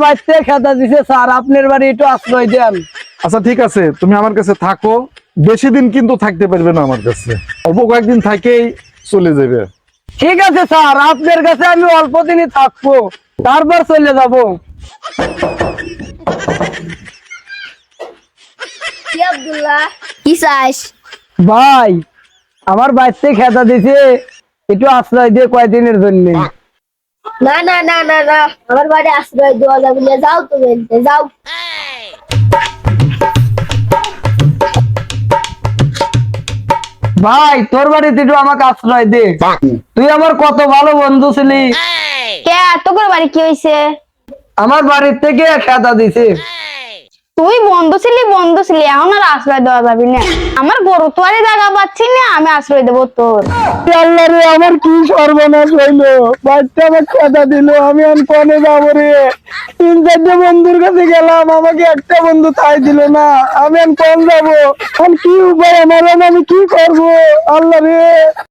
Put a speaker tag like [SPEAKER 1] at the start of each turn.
[SPEAKER 1] বাড়িতে খেতা দিছে স্যার, আপনার বাড়ি একটু আশ্রয় দেন।
[SPEAKER 2] আচ্ছা ঠিক আছে, তুমি আমার কাছে থাকো, বেশি দিন কিন্তু থাকতে পারবে না আমার কাছে, অল্প কয়েকদিন থাকেই চলে যাবে।
[SPEAKER 1] ঠিক আছে স্যার, আপনার কাছে আমি অল্প দিনই থাকবো, তারপর চলে যাব।
[SPEAKER 3] কি আব্দুল্লাহ, কি চাস?
[SPEAKER 1] ভাই আমার বাড়িতে খেতা দিছে, একটু আশ্রয় দিয়ে কয়দিনের জন্য।
[SPEAKER 3] না না না না না, আমার বাড়ি আশ্রয় দেওয়া যাবে না, যাও তুমি যাও।
[SPEAKER 1] ভাই তোর বাড়িতে একটু আমাকে আশ্রয় দে, তুই আমার কত ভালো বন্ধু ছিলি।
[SPEAKER 3] কে তোর বাড়ি কি হয়েছে?
[SPEAKER 1] আমার বাড়ির থেকে খেতা দিছে।
[SPEAKER 3] তুই বন্ধু ছিলি, এখন আর আশ্রয় দেওয়া যাবি না। আমার গরু তো আর জায়গা পাচ্ছি না, আমি আশ্রয় দেবো তোর?
[SPEAKER 1] আল্লাহ রে, আমার কি সর্বনাশ হইলো, বাচ্চা আমার খেতা দিল, আমি এখন কনে যাবো রে। 3-4 বন্ধুর কাছে গেলাম, আমাকে একটা বন্ধু তাই দিল না, আমি এখন কোন যাবো, এখন কি উপায় আমার, আমি কি করবো আল্লাহ রে।